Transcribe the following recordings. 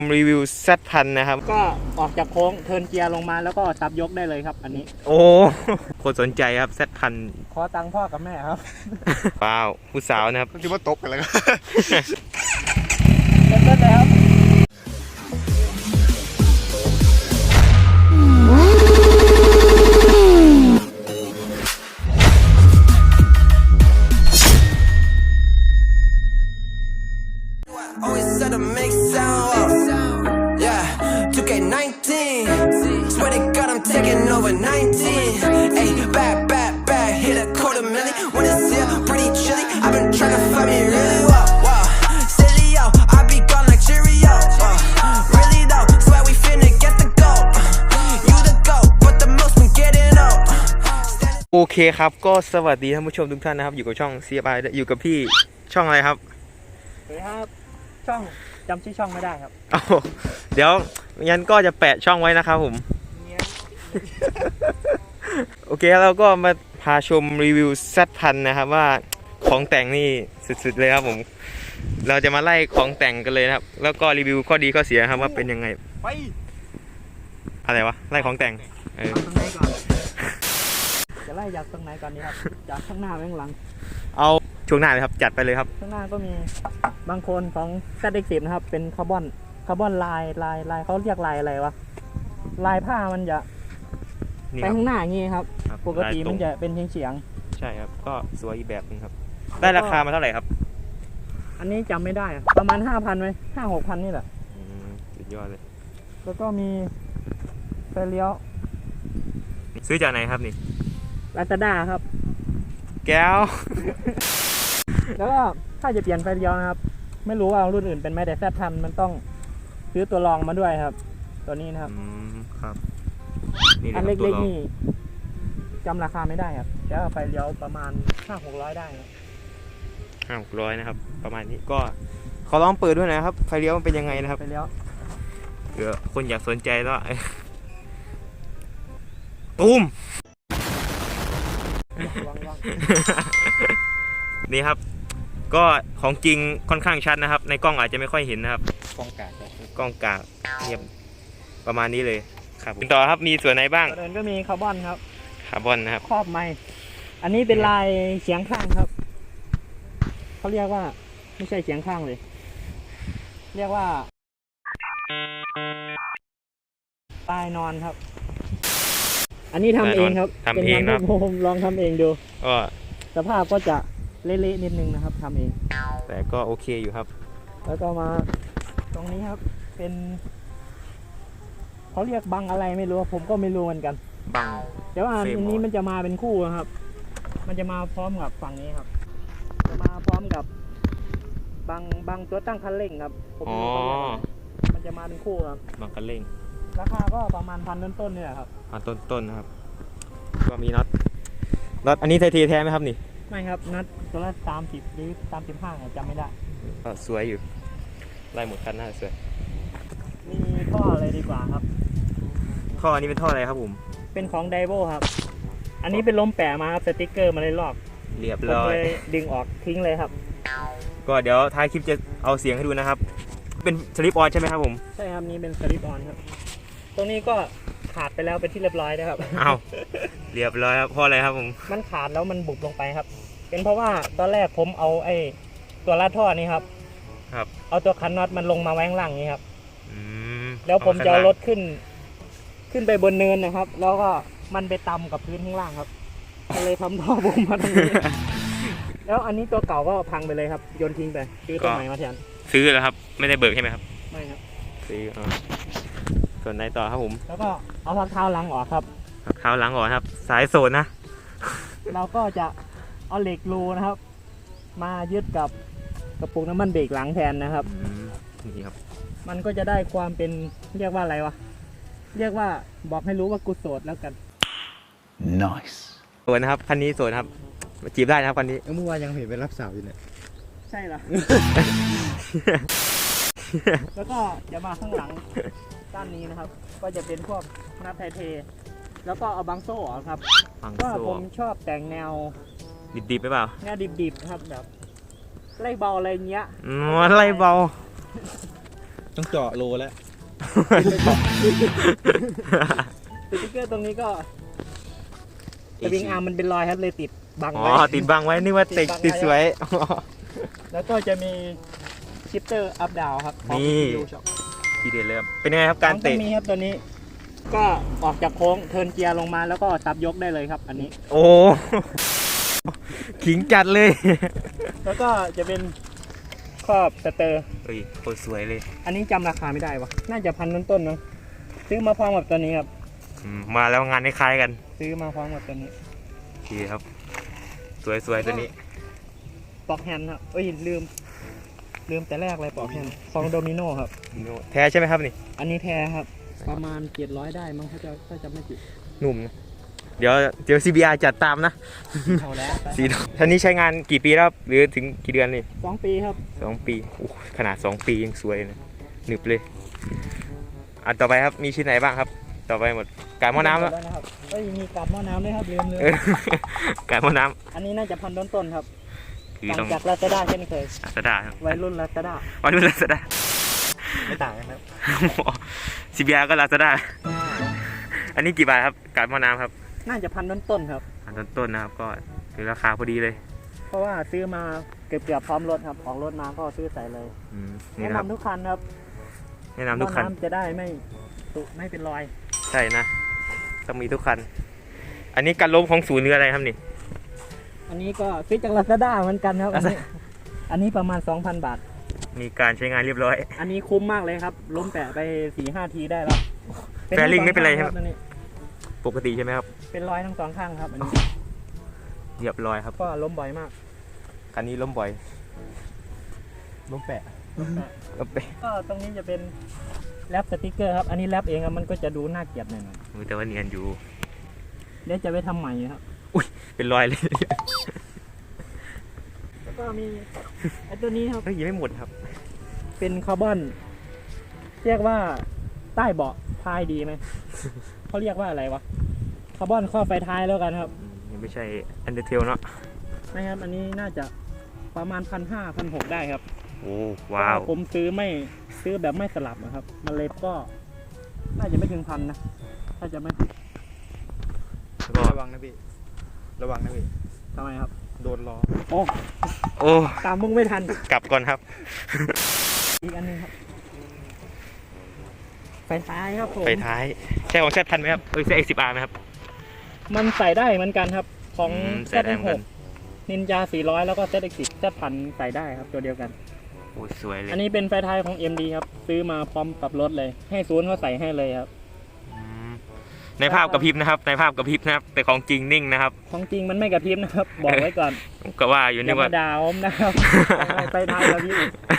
รีวิว Z1000 นะครับก็ออกจากโค้งเทิร์นเกียร์ลงมาแล้วก็ซับยกได้เลยครับอันนี้โอ้คนสนใจครับ Z1000 ขอตังค์พ่อกับแม่ครับว้าวผู้สาวนะครับคิดว่าตบกันแล้วเริ่มต้นเลยครับโอเคครับก็สวัสดีท่านผู้ชมทุกท่านนะครับอยู่กับช่อง CFI อยู่กับพี่ช่องอะไรครับสวัสดีครับช่องจำชื่อช่องไม่ได้ครับเดี๋ยวงั้นก็จะแปะช่องไว้นะครับผมโอเคเราก็มาพาชมรีวิว Z1000 นะครับว่าของแต่งนี่สุดๆเลยครับผมเราจะมาไล่ของแต่งกันเลยนะครับแล้วก็รีวิวข้อดีข้อเสียครับว่าเป็นยังไงไปอะไรวะไล่ของแต่งตรงไหนก่อนจะไล่จากตรงไหนก่อนดีครับจากข้างหน้าไปข้างหลังเอาช่วงหน้าเลยครับจัดไปเลยครับข้างหน้าก็มีบางคนของ ZX10 นะครับเป็นคาร์บอนลายเขาเรียกลายอะไรวะลายผ้ามันจะไปข้างหน้าอย่างงี้ครับปกติมันจะเป็นเฉียงใช่ครับก็สวยอีกแบบนึงครับได้ราคามาเท่าไหร่ครับอันนี้จำไม่ได้ประมาณ 5,000 ไหม 5-6,000 นี่แหละสุดยอดเลยแล้วก็มีไฟเลี้ยวซื้อจากไหนครับนี่ Lazada ครับแก้วแล้วก็ถ้าจะเปลี่ยนไฟเลี้ยวนะครับไม่รู้ว่ารุ่นอื่นเป็นไหมแต่Z1000มันต้องซื้อตัวรองมาด้วยครับตัวนี้นะครับครับอันเล็กๆนี่จำราคาไม่ได้ครับแล้วไฟเลี้ยวประมาณ 500-600 ได้ครับ 500-600นะครับประมาณนี้ก็ขอลองเปิดด้วยนะครับไฟเลี้ยวมันเป็นยังไงนะครับไฟเลี้ยวเผื่อคนอยากสนใจแล้วตูมนี่ครับก็ของจริงค่อนข้างชัดนะครับในกล้องอาจจะไม่ค่อยเห็นนะครับกล้องกากเงียบประมาณนี้เลยครับต่อครับมีส่วนไหนบ้างเดินก็มีคาร์บอนครับนะครับครอบไม้อันนี้เป็นลายเฉียงข้างครับเขาเรียกว่าไม่ใช่เฉียงข้างเลยเรียกว่าปลายนอนครับอันนี้ทำเองครับทำเองครับผมลองทำเองดูก็สภาพก็จะเละๆนิดนึงนะครับทำเองแต่ก็โอเคอยู่ครับแล้วก็มาตรงนี้ครับเป็นเขาเรียกบังอะไรไม่รู้ผมก็ไม่รู้เหมือนกันบังแต่ว่าอันนี้มันจะมาเป็นคู่ครับมันจะมาพร้อมกับฝั่งนี้ครับจะมาพร้อมกับบังตัวตั้งคันเร่งครับผมรู้เขาเรียกมันจะมาเป็นคู่ครับบังคันเร่งราคาก็ประมาณ1,000 ต้นๆเนี่ยครับต้นนะครับก็มีน็อตอันนี้ไทยแท้ไหมครับนี่ไม่ครับน็อตตัวละ30หรือ35จำไม่ได้ก็สวยอยู่ไล่หมดคันหน้าสวยมีท่ออะไรดีกว่าครับท่ออันนี้เป็นท่ออะไรครับผมเป็นของไดโวครับอันนี้เป็นล้มแปะมาครับสติ๊กเกอร์มาเลยลอกเรียบร้อยดึงออกทิ้งเลยครับก็เดี๋ยวท้ายคลิปจะเอาเสียงให้ดูนะครับเป็นสลิปออนใช่ไหมครับผมใช่ครับนี่เป็นสลิปออนครับตรงนี้ก็ขาดไปแล้วเป็นที่เรียบร้อยนะครับเรียบร้อยครับเพราะอะไรครับผมมันขาดแล้วมันบุบลงไปครับเป็นเพราะว่าตอนแรกผมเอาตัวลาดท่อนี่ครับเอาตัวคันน็อตมันลงมาไว้ข้างล่างนี้ครับแล้วผมจะเอารถขึ้นไปบนเนินนะครับแล้วก็มันไปต่ำกับพื้นข้างล่างครับก็เลยทำท่อบุบมาตรงนี้แล้วอันนี้ตัวเก่าก็พังไปเลยครับโยนทิ้งไปซื้อตัวใหม่มาแทนซื้อแล้วครับไม่ได้เบิกใช่ไหมครับไม่ครับซื้อส่วนไหนต่อครับผมแล้วก็เอาพักเท้าหลังออกครับเท้าหลังออกครับสายโซนนะเราก็จะเอาเหล็กรูนะครับมายึดกับกระปุกน้ำมันเบรกหลังแทนนะครับนี่ครับมันก็จะได้ความเป็นเรียกว่าอะไรวะเรียกว่าบอกให้รู้ว่ากูโสดแล้วกัน nice โสดนะครับคันนี้โสดครับมาจีบได้นะครับคันนี้เมื่อวานยังเห็นเป็นรับสาวอยู่เนี่ยใช่เหรอ แล้วก็จะมาข้างหลังด้านนี้นะครับก็จะเป็นพวกนับไทเทแล้วก็เอาบังโซ่ครับก็ผมชอบแต่งแนวดิบๆไปเปล่าแนวดิบๆครับแบบไล่เบาอะไรเงี้ยไล่เบาต้องเจาะโลแล้วสติ๊กเกอร์ตรงนี้ก็สวิงอาร์มมันเป็นรอยครับเลยติดบังอ๋อไว้ติดบังไว้นึกว่าติดติดบังไว้ติดสวยแล้วก็จะมีชิปเตอร์อัพดาวครับของนี่ CPU Shop ทีเด็ดเลยครับเป็นยังไงครับการต้อเตะงมีครับตัวนี้ ก็ออกจากโค้งเทิร์นเกียร์ลงมาแล้วก็ซับยกได้เลยครับ อันนี้โอ้ ขิงจัดเลยแล้วก็จะเป็นครอบสเตอร์เฮ้ยโคตรสวยเลยอันนี้จำราคาไม่ได้วะน่าจะพันต้นๆเนอะซื้อมาพร้อมกับตัวนี้ครับมาแล้วงานคล้ายๆกันซื้อมาพร้อมกับตัวนี้โอเคครับ สวยๆตัวนี้ปลอกแฮนด์ครับเอ้ยลืมแต่แรกเลยปลอกแฮนด์ของโดมิโนครับแท้ใช่ไหมครับนี่อันนี้แท้ครับ ประมาณ700ได้มั้งถ้าจะไม่ผิดหนุ่มนะเดี๋ยว CBR จัดตามนะเท่าแล้วสีท่านนี้ใช้งานกี่ปีแล้วครับหรือถึงกี่เดือนนี่ 2 ปีครับ 2 ปีโอ้ขนาด2 ปียังสวยนะหนึบเลยอันต่อไปครับมีชิ้นไหนบ้างครับ ต่อไปหมดการหม้อน้ำแล้วแล้วนะครับเอ้ยมีกับหม้อน้ำด้วยครับลืมเออ การหม้อน้อันนี้น่าจะพันต้นๆครับำคือต่าต้องงจากลาซาด้าเช่นเคยลาซาด้าครับวัยรุ่นลาซาด้าวันนี้ลาซาด้าไม่ต่างกันครับ CBR ก็ลาซาด้าอันนี้กี่บาทครับการหม้อน้ำครับน่าจะพันต้นๆครับอันต้นๆนะครับก็คือราคาพอดีเลยเพราะว่าซื้อมาเกือบพร้อมรถครับออกรถมาก็ซื้อใส่เลยนี่แนะนะครับนำทุกคันครับแนะนำทุกคันหม้อำจะได้ไม่เป็นรอยใช่นะต้องมีทุกคัน อันนี้การล้มของศูนย์หรืออะไรครับนี่อันนี้ก็ซื้อจากลาซาด้าเหมือนกันครับ อันนี้ประมาณ 2,000 บาทมีการใช้งานเรียบร้อยอันนี้คุ้มมากเลยครับ ล้มแปะไป 4-5 ทีได้แล้วแฟริ่งไม่เป็นไรใช่ไหมอันนี้ปกติใช่ไหมครับเป็นรอยทั้งสองข้างครับอันนี้เรียบร้อยครับก็ล้มบ่อยมากคันนี้ล้มบ่อยล้มแปะล้มแปะล้มแปะก็ตรงนี้จะเป็นแรปสติกเกอร์ครับ อันนี้แรปเองครับมันก็จะดูน่าเกลียดหน่อยแต่ว่าเนียนอยู่ๆเดี๋ยวจะไปทำใหม่ครับเป็นรอยเลยแล้วก็มีไอ้ตัวนี้ครับเฮ้ยยังไม่หมดครับเป็นคาร์บอน เรียกว่าใต้เบาะพายดีไหม เขาเรียกว่าอะไรวะ คาร์บอนข้อไฟท้ายแล้วกันครับยังไม่ใช่อันเดอร์เทลเนาะไม่ครับ อันนี้น่าจะประมาณ1,500-1,600ได้ครับโอ้ว้าวเพระผมซื้อแบบไม่สลับนะครับ มันเลยก็น่าจะไม่ถึง1,000นะ ถ้าจะไม่ผิดก็ระวังนะพี่ ระวังนะพี่ทำไมครับโดนล้อโอ้โอ้ตามมึงไม่ทันกลับก่อนครับอีกอันหนึงครับไฟท้ายครับผมไปท้ายใช่ของแซดพันไหมครับใช่ X10R ไหมครับมันใส่ได้เหมือนกันครับ ของใส่ได้เหมือนกันนินจา400 แล้วก็ ZX10 Z1000 ใส่ได้ครับตัวเดียวกันโอ้สวยเลยอันนี้เป็นไฟท้ายของ MD ครับ ซื้อมาพร้อมกับรถเลย ให้ศูนย์เขาใส่ให้เลยครับอืมในภาพกระพริบนะครับ ในภาพกระพริบนะครับ แต่ของจริงนิ่งนะครับของจริงมันไม่กระพริบนะครับ บอกไว้ก่อนผมก็ว่าอยู่อนี่ย่าว่ามาด่าผมนะครับไฟท้ายกระพริบ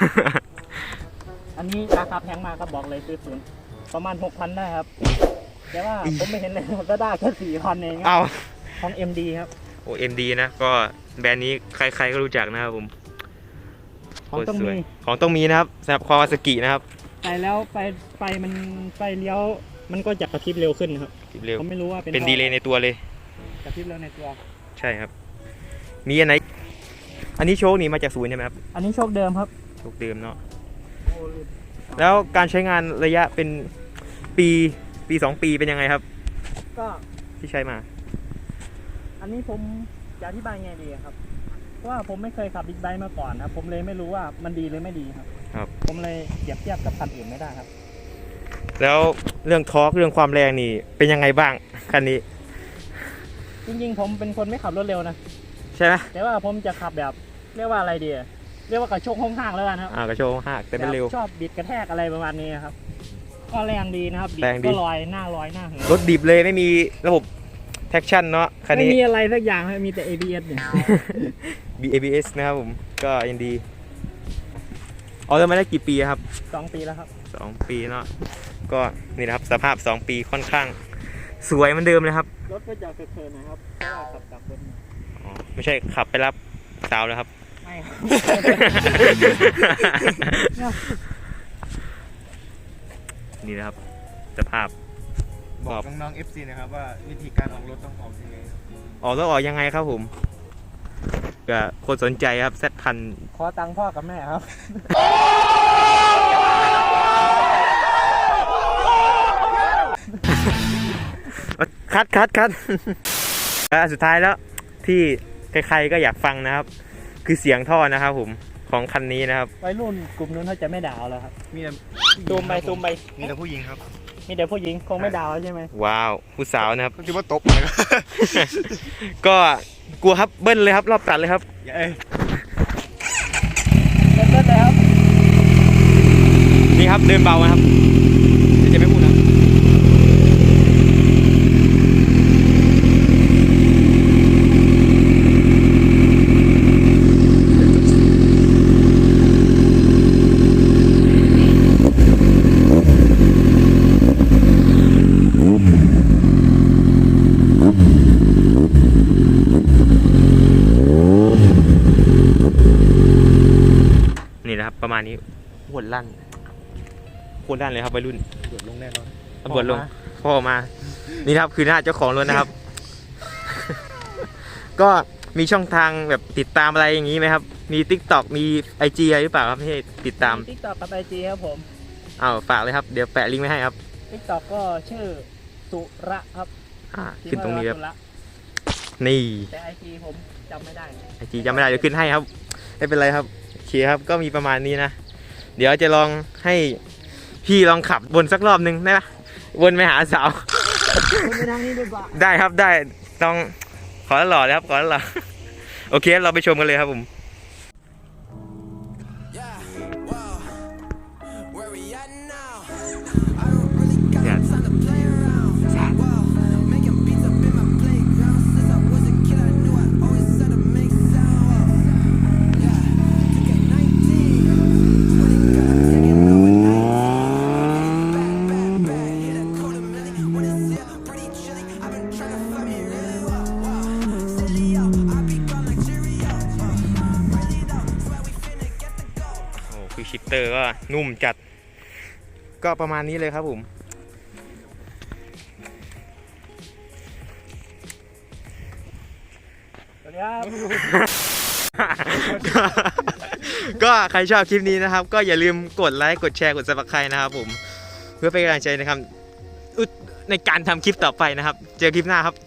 อันนี้ราคาแพงมากครับบอกเลยซื้อศูนย์ประมาณ 6,000 ได้ครับ แต่ว่าผมไม่เห็นเลยก็ได้แค่ 4,000 เองครับเอาของ MD ครับโอ้ MD นะก็แบรนด์นี้ใครๆก็รู้จักนะครับผมของต้องโคตรสวยมีของต้องมีนะครับสำหรับคาวาซากินะครับไปแล้วไฟมันไฟเลี้ยวมันก็จะกระพริบเร็วขึ้นครับเร็วผมไม่รู้ว่าเป็นเป็นดีเลย์ในตัวเลยกระพริบเร็วในตัวใช่ครับ มีอันไหน อันนี้โชคนี่มาจากศูนย์ใช่ไหมครับอันนี้โชคเดิมครับโชคเดิมเนาะแล้วการใช้งานระยะเป็นปี 2 ปีเป็นยังไงครับก็ที่ใช้มาอันนี้ผมจะอธิบายไงดีครับ เพราะว่าผมไม่เคยขับบิ๊กไบค์มาก่อนครับผมเลยไม่รู้ว่ามันดีหรือไม่ดีครับครับผมเลยเปรียบเทียบกับคันอื่นไม่ได้ครับแล้วเรื่องทอร์กเรื่องความแรงนี่เป็นยังไงบ้างคันนี้จริงๆผมเป็นคนไม่ขับรถเร็วนะใช่ไหมแต่ว่าผมจะขับแบบเรียกว่าอะไรดีเรียกว่ากระโชกห้องๆแล้วกันครับกระโชกหักแต่ไม่เร็วแบบชอบบิดกระแทกอะไรประมาณนี้ครับก็แรงดีนะครับบิดแรงดีก็ลอยหน้าเหินรถดิบเลยไม่มีระบบแท็กชั่นเนาะคันไม่นี้มีอะไรสักอย่างครับมีแต่ ABS เนี่ย ABS นะครับผมก็ยังดีเอาเริ่มมาได้กี่ปีครับ 2 ปีแล้วครับ 2 ปีเนาะก็นี่นะครับสภาพ 2 ปีค่อนข้างสวยเหมือนเดิมเลยครับรถก็จะเคิร์นๆนะครับเพราะว่าขับจากบนอ๋อไม่ใช่ขับไปรับสาวแล้วครับไม่ครับนี่นะครับสภาพบอกน้องๆ FC นะครับว่าวิธีการออกรถต้องออกยังไงครับออกต้องออกยังไงครับผมก็คนสนใจครับZ1000 ขอตังค์พ่อกับแม่ครับคัด และสุดท้ายแล้วที่ใครๆก็อยากฟังนะครับ คือเสียงท่อนะครับผมของคันนี้นะครับวัยรุ่นกลุ่มนู้นเขาจะไม่ด่าแล้วครับมีแต่ซูมไปมีแต่ผู้หญิงครับมีแต่ผู้หญิงคงไม่ด่าใช่ไหมว้าวผู้สาวนะครับก็คิดว่าตบเลยครับก็กลัวครับเบิ้ลเลยครับรอบตัดเลยครับเอ้ยเริ่มเลยครับนี่ครับเดินเบานะครับเดี๋ยวจะไม่พูดนะนี่นะครับประมาณนี้หวดลั่นเลยครับวัยรุ่นตรวจลงแน่นอนตำรวจลงพ่อมา นี่นะครับคือหน้าเจ้าของรถนะครับ ก็มีช่องทางแบบติดตามอะไรอย่างนี้ไหมครับ มี TikTok มี IG อะไรหรือเปล่าครับที่ติดตามทิกตอกกับไอจีครับผมอ้าวฝากเลยครับ เดี๋ยวแปะลิงก์ไว้ให้ครับทิกตอกก็ชื่อสุระครับขึ้นตรงนี้ครับสุระนี่แต่ไอจีผมจำไม่ได้ IG จำไม่ได้เดี๋ยวขึ้นให้ครับ ไม่เป็นไรครับโอเคครับก็มีประมาณนี้นะ เดี๋ยวจะลองให้พี่ลองขับวนสักรอบนึงได้ปะวนไปหาสาวคุณไปทางนี้ดีกว่าได้ครับได้ต้องขอหล่อเลยครับขอหล่อ โอเคเราไปชมกันเลยครับผม โอ้คือชิปเตอร์ก็นุ่มจัด ก็ประมาณนี้เลยครับผมสวัสดีครับก็ใครชอบคลิปนี้นะครับ ก็อย่าลืมกดไลค์กดแชร์กด Subscribe นะครับผม เพื่อเป็นกำลังใจนะครับในการทำคลิปต่อไปนะครับ เจอคลิปหน้าครับ